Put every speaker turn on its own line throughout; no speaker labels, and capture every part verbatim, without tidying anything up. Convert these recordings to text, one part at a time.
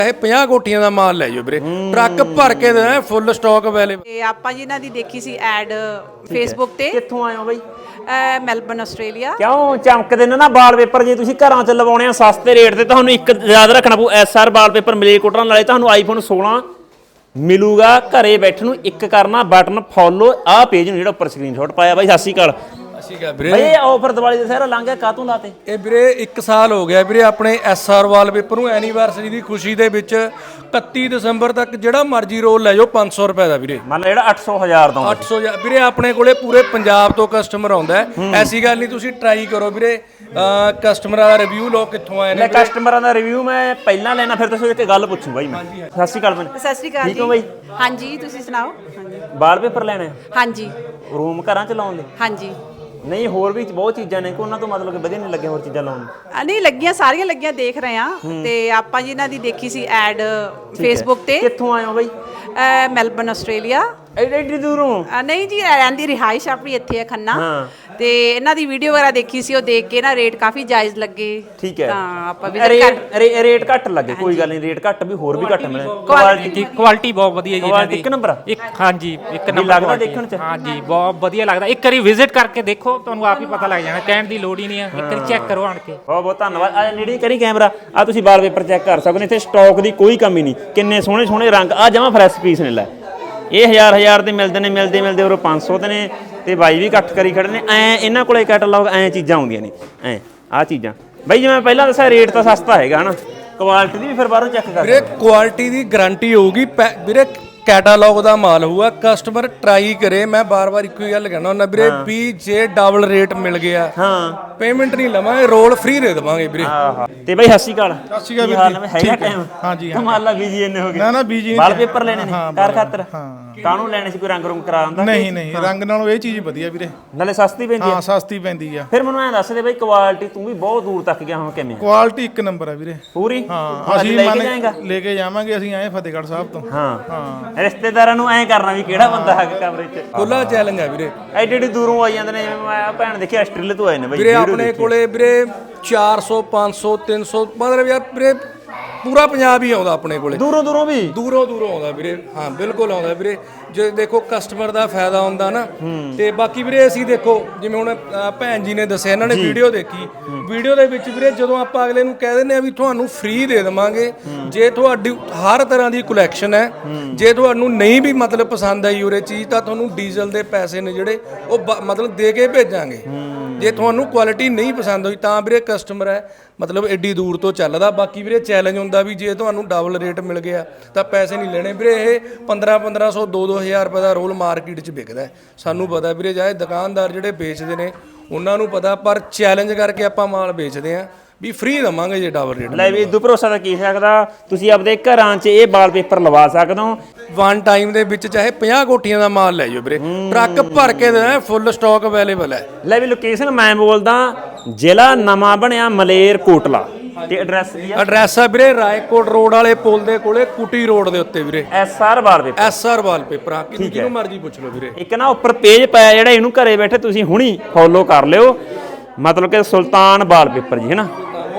ਇਹ ਪੰਜਾਹ ਕੋਟੀਆਂ ਦਾ ਮਾਲ ਲੈ ਜਾਓ ਵੀਰੇ, ਟਰੱਕ ਭਰ ਕੇ ਦੇਣਾ, ਫੁੱਲ ਸਟਾਕ ਅਵੇਲੇਬਲ।
ਤੇ ਆਪਾਂ ਜੀ ਇਹਨਾਂ ਦੀ ਦੇਖੀ ਸੀ ਐਡ ਫੇਸਬੁੱਕ ਤੇ।
ਕਿੱਥੋਂ ਆਏ ਹੋ ਬਾਈ?
Melbourne Australia.
ਕਿਉਂ ਚਮਕਦੇ ਨੇ ਨਾ ਵਾਲਪੇਪਰ? ਜੇ ਤੁਸੀਂ ਘਰਾਂ 'ਚ ਲਵਾਉਣੇ ਆ ਸਸਤੇ ਰੇਟ ਤੇ, ਤੁਹਾਨੂੰ ਇੱਕ ਯਾਦ ਰੱਖਣਾ ਪਊ, ਐਸ ਆਰ ਵਾਲਪੇਪਰ ਮਲੇਰਕੋਟਲਾ ਨਾਲੇ ਤੁਹਾਨੂੰ ਆਈਫੋਨ ਸੋਲਾਂ ਮਿਲੂਗਾ। ਘਰੇ ਬੈਠੇ ਨੂੰ ਇੱਕ ਕਰਨਾ ਬਟਨ ਫੋਲੋ, ਆਹ ਪੇਜ ਨੂੰ ਜਿਹੜਾ ਉੱਪਰ ਸਕਰੀਨਸ਼ਾਟ ਪਾਇਆ। ਬਾਈ ਸਤਿ ਸ਼੍ਰੀ ਅਕਾਲ।
ਅਸੀਂ ਕਹਾਂ ਵੀਰੇ
ਬਾਈ ਇਹ ਆਫਰ ਦੀਵਾਲੀ ਦੇ ਸਾਰਾ ਲੰਘ ਗਿਆ, ਕਾਹਤੋਂ ਲਾਤੇ?
ਇਹ ਵੀਰੇ ਇੱਕ ਸਾਲ ਹੋ ਗਿਆ ਵੀਰੇ ਆਪਣੇ ਐਸ ਆਰ ਵਾਲਪੇਪਰ ਨੂੰ ਐਨੀਵਰਸਰੀ ਦੀ ਖੁਸ਼ੀ ਦੇ ਵਿੱਚ ਇਕੱਤੀ ਦਸੰਬਰ ਤੱਕ ਜਿਹੜਾ ਮਰਜ਼ੀ ਰੋਲ ਲੈ ਜਾਓ ਪੰਜ ਸੌ ਰੁਪਏ ਦਾ ਵੀਰੇ।
ਮੰਨ ਲਾ ਜਿਹੜਾ ਅੱਠ ਸੌ ਹਜ਼ਾਰ ਦਾ
ਅੱਠ ਸੌ ਵੀਰੇ ਆਪਣੇ ਕੋਲੇ ਪੂਰੇ ਪੰਜਾਬ ਤੋਂ ਕਸਟਮਰ ਆਉਂਦਾ ਹੈ। ਐਸੀ ਗੱਲ ਨਹੀਂ, ਤੁਸੀਂ ਟਰਾਈ ਕਰੋ ਵੀਰੇ। ਕਸਟਮਰਾਂ ਦਾ ਰਿਵਿਊ ਲੋ ਕਿੱਥੋਂ ਆਏ ਨੇ।
ਲੈ ਕਸਟਮਰਾਂ ਦਾ ਰਿਵਿਊ ਮੈਂ ਪਹਿਲਾਂ ਲੈਣਾ, ਫਿਰ ਤੁਸੀਂ ਇੱਕ ਗੱਲ ਪੁੱਛੂ ਬਾਈ ਮੈਂ। ਸਤਿ ਸ਼੍ਰੀ ਅਕਾਲ ਭੈਣ।
ਸਤਿ ਸ਼੍ਰੀ ਅਕਾਲ ਜੀ।
ਠੀਕ ਹੋ ਬਾਈ?
ਹਾਂਜੀ, ਤੁਸੀਂ ਸੁਣਾਓ? ਹਾਂਜੀ
ਵਾਲਪੇਪਰ ਲੈਣੇ
ਹਾਂਜੀ
ਰੂਮ ਘਰਾਂ 'ਚ ਲਾਉਣ ਲਈ?
ਹਾਂਜੀ।
ਨਹੀਂ ਹੋਰ ਵੀ ਬਹੁਤ ਚੀਜ਼ਾਂ ਨੇ ਕਿ ਉਹਨਾਂ ਤੋਂ ਮਤਲਬ ਕਿ ਵਧੀਆ ਨਹੀਂ ਲੱਗਿਆ ਹੋਰ ਚੀਜ਼ਾਂ ਲਾਉਣ ਨੂੰ?
ਆ ਨਹੀਂ ਲੱਗੀਆਂ, ਸਾਰੀਆਂ ਲੱਗੀਆਂ, ਦੇਖ ਰਹੇ ਆ। ਤੇ ਆਪਾਂ ਜੀ ਇਹਨਾਂ ਦੀ ਦੇਖੀ ਸੀ ਐਡ ਫੇਸਬੁੱਕ ਤੇ।
ਕਿੱਥੋਂ ਆਏ ਹੋ ਬਾਈ?
Melbourne Australia.
ਐਡੀ ਐਡੀ ਦੂਰੋਂ?
ਆ ਨਹੀਂ ਜੀ, ਰਹਿੰਦੀ ਰਿਹਾਇਸ਼ ਆਪਣੀ ਇੱਥੇ ਹੈ ਖੰਨਾ। ਤੇ ਇਹਨਾਂ ਦੀ ਵੀਡੀਓ ਵਗੈਰਾ ਦੇਖੀ ਸੀ, ਉਹ ਦੇਖ ਕੇ ਨਾ ਰੇਟ ਕਾਫੀ ਜਾਇਜ਼ ਲੱਗੇ।
ਠੀਕ ਹੈ,
ਤਾਂ ਆਪਾਂ ਵੀ
ਰੇਟ ਘੱਟ ਲੱਗੇ, ਕੋਈ ਗੱਲ ਨਹੀਂ, ਰੇਟ ਘੱਟ ਵੀ ਹੋਰ ਵੀ ਘੱਟ ਮਿਲੇ।
ਕੁਆਲਿਟੀ
ਕੁਆਲਿਟੀ ਬਹੁਤ ਵਧੀਆ ਜੀ ਇਹਨਾਂ ਦੀ।
ਇੱਕ ਨੰਬਰ?
ਇੱਕ ਹਾਂਜੀ ਇੱਕ ਨੰਬਰ
ਲੱਗਦਾ ਦੇਖਣ 'ਚ।
ਹਾਂਜੀ ਬਹੁਤ ਵਧੀਆ ਲੱਗਦਾ। ਇੱਕ ਵਾਰੀ ਵਿਜ਼ਿਟ ਕਰਕੇ ਦੇਖੋ, ਤੁਹਾਨੂੰ ਆਪ ਹੀ ਪਤਾ ਲੱਗ ਜਾਣਾ, ਕਹਿਣ ਦੀ ਲੋੜ ਹੀ ਨਹੀਂ ਹੈ। ਇੱਕ ਵਾਰੀ ਚੈੱਕ ਕਰੋ ਆਣ ਕੇ।
ਬਹੁਤ ਬਹੁਤ ਧੰਨਵਾਦ। ਆ ਨੇੜੇ ਕਰੀ ਕੈਮਰਾ, ਆ ਤੁਸੀਂ ਵਾਲਪੇਪਰ ਚੈੱਕ ਕਰ ਸਕਦੇ। ਇੱਥੇ ਸਟਾਕ ਦੀ ਕੋਈ ਕਮੀ ਨਹੀਂ, ਕਿੰਨੇ ਸੋਹਣੇ ਸੋਹਣੇ ਰੰਗ, ਆ ਜਮਾ ਫਰੈਸ਼ ਪੀਸ ਨੇ। ਲੈ ਇਹ ਹਜ਼ਾਰ ਹਜ਼ਾਰ ਦੇ ਮਿਲਦੇ ਨੇ, ਮਿਲਦੇ ਮਿਲਦੇ ਉਹ ਪੰਜ ਸੌ ਦੇ ਨੇ। ਤੇ ਬਾਈ ਵੀ ਇਕੱਠ ਕਰੀ ਖੜੇ ਨੇ। ਐ ਇਹਨਾਂ ਕੋਲੇ ਕੈਟਲੌਗ ਐ ਚੀਜ਼ਾਂ ਆਉਂਦੀਆਂ ਨੇ, ਐ ਆਹ ਚੀਜ਼ਾਂ। ਬਾਈ ਜਿਵੇਂ ਪਹਿਲਾਂ ਦੱਸਿਆ ਰੇਟ ਤਾਂ ਸਸਤਾ ਹੈਗਾ ਹਨਾ, ਕੁਆਲਿਟੀ ਦੀ ਵੀ ਫਿਰ ਬਾਹਰੋਂ ਚੈੱਕ ਕਰ
ਵੀਰੇ ਕੁਆਲਿਟੀ ਦੀ ਗਾਰੰਟੀ ਹੋਊਗੀ ਵੀਰੇ। ਕੈਟਾਲੌਗ ਦਾ ਮਾਲ ਹੋਊਗਾ, ਕਸਟਮਰ ਟਰਾਈ ਕਰੇ। ਮੈਂ ਬਾਰ-ਬਾਰ ਇੱਕੋ ਹੀ ਗੱਲ ਕਹਿਣਾ ਹੁੰਦਾ ਵੀਰੇ, ਵੀ ਜੇ ਡਬਲ ਰੇਟ ਮਿਲ ਗਿਆ
ਹਾਂ
ਪੇਮੈਂਟ ਨਹੀਂ ਲਵਾਂਗੇ, ਰੋਲ ਫ੍ਰੀ ਦੇ ਦੇਵਾਂਗੇ ਵੀਰੇ।
ਆਹਾ ਤੇ ਬਾਈ ਸਤਿ ਸ਼੍ਰੀ ਅਕਾਲ।
ਸਤਿ ਸ਼੍ਰੀ ਅਕਾਲ
ਕੀ ਹਾਲ ਨੇ? ਹੈਗਾ ਟਾਈਮ?
ਹਾਂਜੀ
ਹਾਂ ਮਾਲਾ ਬੀਜੀ ਇੰਨੇ ਹੋ ਗਏ।
ਨਾ ਨਾ ਬੀਜੀ
ਵਾਲਪੇਪਰ ਲੈਣੇ ਨੇ ਘਰ ਖਾਤਰ?
ਹਾਂ।
ਕਾਹਨੂੰ ਲੈਣੇ ਸੀ? ਕੋਈ ਰੰਗ ਰੁੰਗ ਕਰਾ ਦਿੰਦਾ?
ਨਹੀਂ ਨਹੀਂ, ਰੰਗ ਨਾਲੋਂ ਇਹ ਚੀਜ਼ ਵਧੀਆ ਵੀਰੇ,
ਨਾਲੇ ਸਸਤੀ ਪੈਂਦੀ ਹੈ।
ਹਾਂ ਸਸਤੀ ਪੈਂਦੀ ਆ।
ਫਿਰ ਮੈਨੂੰ ਐਂ ਦੱਸ ਦੇ ਬਾਈ, ਕੁਆਲਿਟੀ ਤੂੰ ਵੀ ਬਹੁਤ ਦੂਰ ਤੱਕ ਗਿਆ ਹੁਣ, ਕਿਵੇਂ?
ਕੁਆਲਿਟੀ ਇੱਕ ਨੰਬਰ ਆ ਵੀਰੇ
ਪੂਰੀ?
ਹਾਂ। ਅਸੀਂ
ਲੈ ਕੇ ਜਾਏਗਾ?
ਲੈ ਕੇ ਜਾਵਾਂਗੇ, ਅਸੀਂ ਆਏ ਫਤਿਹਗੜ੍ਹ ਸਾਹਿਬ ਤੋਂ।
ਹਾਂ ਹਾਂ। ਰਿਸ਼ਤੇਦਾਰਾਂ ਨੂੰ ਐਂ ਕਰਨਾ ਵੀ ਕਿਹੜਾ ਬੰਦਾ ਹੈ ਕਮਰੇ 'ਚ।
ਖੁੱਲਾ ਚੈਲੰਜ ਆ ਵੀਰੇ।
ਐਡੀ ਐਡੀ ਦੂਰੋਂ ਆਈ ਜਾਂਦੇ ਨੇ, ਜਿਵੇਂ ਮੈਂ ਭੈਣ ਦੇਖੀ ਆਸਟ੍ਰੇਲੀਆ ਤੋਂ ਆਏ ਨੇ ਬਾਈ।
ਵੀਰੇ ਆਪਣੇ ਕੋਲੇ ਵੀਰੇ ਚਾਰ ਸੌ ਪੰਜ ਸੌ ਤਿੰਨ ਸੌ ਮਤਲਬ ਯਾਰ ਵੀਰੇ ਪੂਰਾ ਪੰਜਾਬ ਹੀ ਆਉਂਦਾ ਆਪਣੇ ਕੋਲੇ,
ਦੂਰੋਂ ਦੂਰੋਂ ਵੀ
ਦੂਰੋਂ ਦੂਰੋਂ ਆਉਂਦਾ ਵੀਰੇ। ਹਾਂ ਬਿਲਕੁਲ ਆਉਂਦਾ ਵੀਰੇ। ਜੇ ਦੇਖੋ ਕਸਟਮਰ ਦਾ ਫਾਇਦਾ ਹੁੰਦਾ ਨਾ। ਤੇ ਬਾਕੀ ਵੀਰੇ ਅਸੀਂ ਦੇਖੋ ਜਿਵੇਂ ਹੁਣ ਭੈਣ ਜੀ ਨੇ ਦੱਸਿਆ, ਇਹਨਾਂ ਨੇ ਵੀਡੀਓ ਦੇਖੀ, ਵੀਡੀਓ ਦੇ ਵਿੱਚ ਵੀਰੇ ਜਦੋਂ ਆਪਾਂ ਅਗਲੇ ਨੂੰ ਕਹਿ ਦਿੰਦੇ ਆ ਵੀ ਤੁਹਾਨੂੰ ਫ੍ਰੀ ਦੇ ਦੇਵਾਂਗੇ ਜੇ ਤੁਹਾਡੀ ਹਰ ਤਰ੍ਹਾਂ ਦੀ ਕਲੈਕਸ਼ਨ ਹੈ, ਜੇ ਤੁਹਾਨੂੰ ਨਹੀਂ ਵੀ ਮਤਲਬ ਪਸੰਦ ਆਈ ਉਰੇ ਚੀਜ਼ ਤਾਂ ਤੁਹਾਨੂੰ ਡੀਜ਼ਲ ਦੇ ਪੈਸੇ ਨੇ ਜਿਹੜੇ ਉਹ ਮਤਲਬ ਦੇ ਕੇ ਭੇਜਾਂਗੇ। ਜੇ ਤੁਹਾਨੂੰ ਕੁਆਲਿਟੀ ਨਹੀਂ ਪਸੰਦ ਹੋਈ ਤਾਂ ਵੀਰੇ ਕਸਟਮਰ ਹੈ ਮਤਲਬ ਐਡੀ ਦੂਰ ਤੋਂ ਚੱਲਦਾ। ਬਾਕੀ ਵੀਰੇ ਚੈਲੰਜ ਹੁੰਦਾ ਵੀ ਜੇ ਤੁਹਾਨੂੰ ਡਬਲ ਰੇਟ ਮਿਲ ਗਿਆ ਤਾਂ ਪੈਸੇ ਨਹੀਂ ਲੈਣੇ ਵੀਰੇ। ਇਹ ਪੰਦਰਾਂ ਪੰਦਰਾਂ ਸੌ ਦੋ ਦੋ ਹਜ਼ਾਰ ਰੁਪਏ ਦਾ ਰੋਲ ਮਾਰਕੀਟ 'ਚ ਵਿਕਦਾ। ਸਾਨੂੰ ਪਤਾ ਵੀਰੇ, ਚਾਹੇ ਦੁਕਾਨਦਾਰ ਜਿਹੜੇ ਵੇਚਦੇ ਨੇ ਉਹਨਾਂ ਨੂੰ ਪਤਾ, ਪਰ ਚੈਲੰਜ ਕਰਕੇ ਆਪਾਂ ਮਾਲ ਵੇਚਦੇ ਆਂ ਵੀ ਫ੍ਰੀ ਦਵਾਂਗੇ ਜੇ ਡਬਲ ਰੇਟ।
ਲੈ ਵੀ ਇਦੋਂ ਭਰੋਸਾ ਤਾਂ ਕੀ ਸਕਦਾ, ਤੁਸੀਂ ਆਪਦੇ ਘਰਾਂ 'ਚ ਇਹ ਵਾਲਪੇਪਰ ਲਵਾ ਸਕਦੇ ਹੋ
ਵਨ ਟਾਈਮ ਦੇ ਵਿੱਚ। ਚਾਹੇ ਪੰਜਾਹ ਕੋਟੀਆਂ ਦਾ ਮਾਲ ਲੈ ਜਾਓ ਵੀਰੇ, ਟਰੱਕ ਭਰ ਕੇ ਦੇਣਾ, ਫੁੱਲ ਸਟਾਕ ਅਵੇਲੇਬਲ ਹੈ।
ਲੈ ਵੀ ਲੋਕੇਸ਼ਨ ਮੈਂ ਬੋਲਦਾ, ਜ਼ਿਲ੍ਹਾ ਨਵਾਂ ਬਣਿਆ ਮਲੇਰਕੋਟਲਾ। ਤੇ ਐਡਰੈਸ ਕੀ ਆ?
ਐਡਰੈਸ ਆ ਵੀਰੇ ਰਾਏਕੋਟ ਰੋਡ ਵਾਲੇ ਪੁਲ ਦੇ ਕੋਲੇ, ਕੁਟੀ ਰੋਡ ਦੇ ਉੱਤੇ ਵੀਰੇ।
S R wallpaper.
S R wallpaper ਆ, ਕਿਹਨੂੰ ਮਰਜ਼ੀ ਪੁੱਛ ਲਓ ਵੀਰੇ।
ਇੱਕ ਨਾ ਉੱਪਰ ਪੇਜ ਪਾਇਆ ਜਿਹੜਾ, ਇਹਨੂੰ ਘਰੇ ਬੈਠੇ ਤੁਸੀਂ ਹੁਣੀ ਫੋਲੋ ਕਰ ਲਿਓ, ਮਤਲਬ ਕਿ ਸੁਲਤਾਨ ਵਾਲਪੇਪਰ ਜੀ ਹੈ ਨਾ।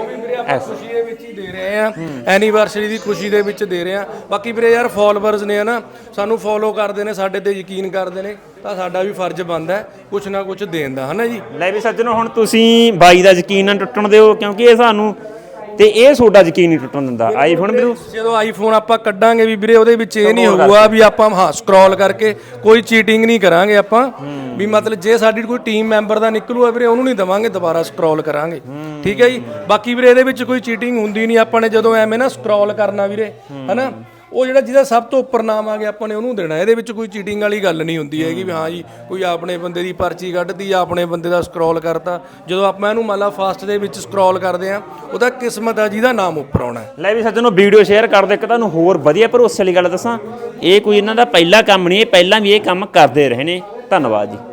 ਖੁਸ਼ੀ ਦੇ ਵਿੱਚ ਹੀ ਦੇ ਰਹੇ ਆ, ਐਨੀਵਰਸਰੀ ਦੀ ਖੁਸ਼ੀ ਦੇ ਵਿੱਚ ਦੇ ਰਹੇ ਆ। ਬਾਕੀ ਵੀਰੇ ਯਾਰ ਫੋਲੋਵਰਸ ਨੇ ਨਾ, ਸਾਨੂੰ ਫੋਲੋ ਕਰਦੇ ਨੇ, ਸਾਡੇ ਤੇ ਯਕੀਨ ਕਰਦੇ ਨੇ, ਤਾਂ ਸਾਡਾ ਵੀ ਫਰਜ਼ ਬਣਦਾ ਹੈ ਕੁਛ ਨਾ ਕੁਛ ਦੇਣ ਦਾ, ਹਨਾ ਜੀ।
ਲੈ ਵੀ ਸੱਜਣੋ, ਹੁਣ ਤੁਸੀਂ ਬਾਈ ਦਾ ਯਕੀਨ ਨਾ ਟੁੱਟਣ ਦਿਓ, ਕਿਉਂਕਿ ਇਹ ਸਾਨੂੰ ਤੇ ਇਹ ਤੁਹਾਡਾ ਯਕੀਨ ਨਹੀਂ ਟੁੱਟਣ ਦਿੰਦਾ। ਆਈਫੋਨ ਵੀਰੋ
ਜਦੋਂ ਆਈਫੋਨ ਆਪਾਂ ਕੱਢਾਂਗੇ ਵੀ ਵੀਰੇ, ਉਹਦੇ ਵਿੱਚ ਇਹ ਨਹੀਂ ਹੋਊਗਾ ਵੀ ਆਪਾਂ ਹਾਂ ਸਕਰੋਲ ਕਰਕੇ ਕੋਈ ਚੀਟਿੰਗ ਨਹੀਂ ਕਰਾਂਗੇ ਆਪਾਂ। ਵੀ ਮਤਲਬ ਜੇ ਸਾਡੀ ਕੋਈ ਟੀਮ ਮੈਂਬਰ ਦਾ ਨਿਕਲੂਗਾ ਵੀਰੇ, ਉਹਨੂੰ ਨਹੀਂ ਦਵਾਂਗੇ, ਦੁਬਾਰਾ ਸਕਰੋਲ ਕਰਾਂਗੇ। ਠੀਕ ਹੈ ਜੀ। ਬਾਕੀ ਵੀਰੇ ਇਹਦੇ ਵਿੱਚ ਕੋਈ ਚੀਟਿੰਗ ਹੁੰਦੀ ਨਹੀਂ। ਆਪਾਂ ਨੇ ਜਦੋਂ ਐਵੇਂ ਨਾ ਸਕਰੋਲ ਕਰਨਾ ਵੀਰੇ, ਹਨਾ, ਉਹ ਜਿਹੜਾ ਜਿਹਦਾ ਸਭ ਤੋਂ ਉੱਪਰ ਨਾਮ ਆ ਗਿਆ ਆਪਾਂ ਨੇ ਉਹਨੂੰ ਦੇਣਾ। ਇਹਦੇ ਵਿੱਚ ਕੋਈ ਚੀਟਿੰਗ ਵਾਲੀ ਗੱਲ ਨਹੀਂ ਹੁੰਦੀ ਹੈਗੀ ਵੀ ਹਾਂ ਜੀ ਕੋਈ ਆਪਣੇ ਬੰਦੇ ਦੀ ਪਰਚੀ ਕੱਢਦੀ ਜਾਂ ਆਪਣੇ ਬੰਦੇ ਦਾ ਸਕਰੋਲ ਕਰਤਾ। ਜਦੋਂ ਆਪਾਂ ਇਹਨੂੰ ਮੰਨ ਲਾ ਫਾਸਟ ਦੇ ਵਿੱਚ ਸਕਰੋਲ ਕਰਦੇ ਆ, ਉਹਦਾ ਕਿਸਮਤ ਆ ਜਿਹਦਾ ਨਾਮ ਉੱਪਰ ਆਉਣਾ।
ਲੈ ਵੀ ਸੱਜਣੋ, ਵੀਡੀਓ ਸ਼ੇਅਰ ਕਰ ਦਿਓ। ਇੱਕ ਤੁਹਾਨੂੰ ਹੋਰ ਵਧੀਆ ਭਰੋਸੇ ਵਾਲੀ ਗੱਲ ਦੱਸਾਂ, ਇਹ ਕੋਈ ਇਹਨਾਂ ਦਾ ਪਹਿਲਾ ਕੰਮ ਨਹੀਂ, ਇਹ ਪਹਿਲਾਂ ਵੀ ਇਹ ਕੰਮ ਕਰਦੇ ਰਹੇ ਨੇ। ਧੰਨਵਾਦ ਜੀ।